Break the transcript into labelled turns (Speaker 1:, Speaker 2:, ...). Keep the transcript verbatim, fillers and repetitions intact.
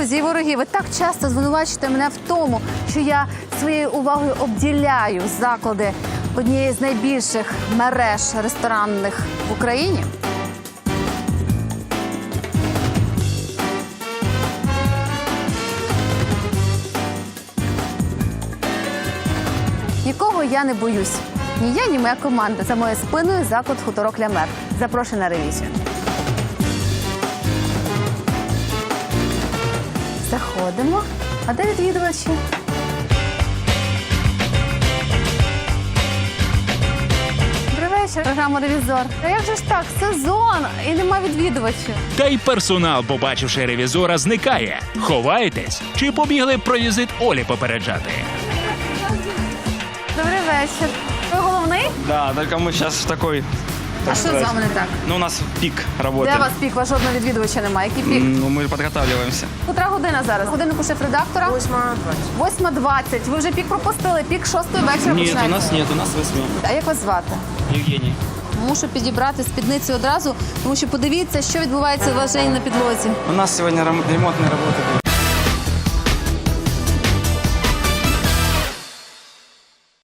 Speaker 1: Друзі і вороги, ви так часто звинувачуєте мене в тому, що я своєю увагою обділяю заклади однієї з найбільших мереж ресторанних в Україні. Нікого я не боюсь. Ні я, ні моя команда. За моєю спиною заклад «Хуторок Ля Мер». Запрошую на ревізію. Заходимо. А де відвідувачі? Добрий вечір. Програма «Ревізор». Та як же ж так? Сезон і нема відвідувачів.
Speaker 2: Та й персонал, побачивши ревізора, зникає. Ховаєтесь? Чи побігли про візит Олі попереджати?
Speaker 1: Добрий вечір. Ви головний?
Speaker 3: Да, только мы сейчас в такой...
Speaker 1: А що з вами не так?
Speaker 3: Ну, у нас пик
Speaker 1: Де
Speaker 3: работы.
Speaker 1: у вас пік? Вас жодного відвідувача немає. Який пік?
Speaker 3: Ну, мы подготавливаемся.
Speaker 1: Котра година зараз? Годиннику шеф-редактора? Восьма двадцять. Восьма двадцять. Ви вже пік пропустили. Пік шостої вечора
Speaker 3: Нет,
Speaker 1: починається.
Speaker 3: у нас нет, у нас восьми.
Speaker 1: А як вас звати?
Speaker 3: Евгений.
Speaker 1: Мушу підібрати спідницю одразу, тому що подивіться, що відбувається у вас вже на підлозі.
Speaker 3: У нас сегодня рем- ремонтные работы будут.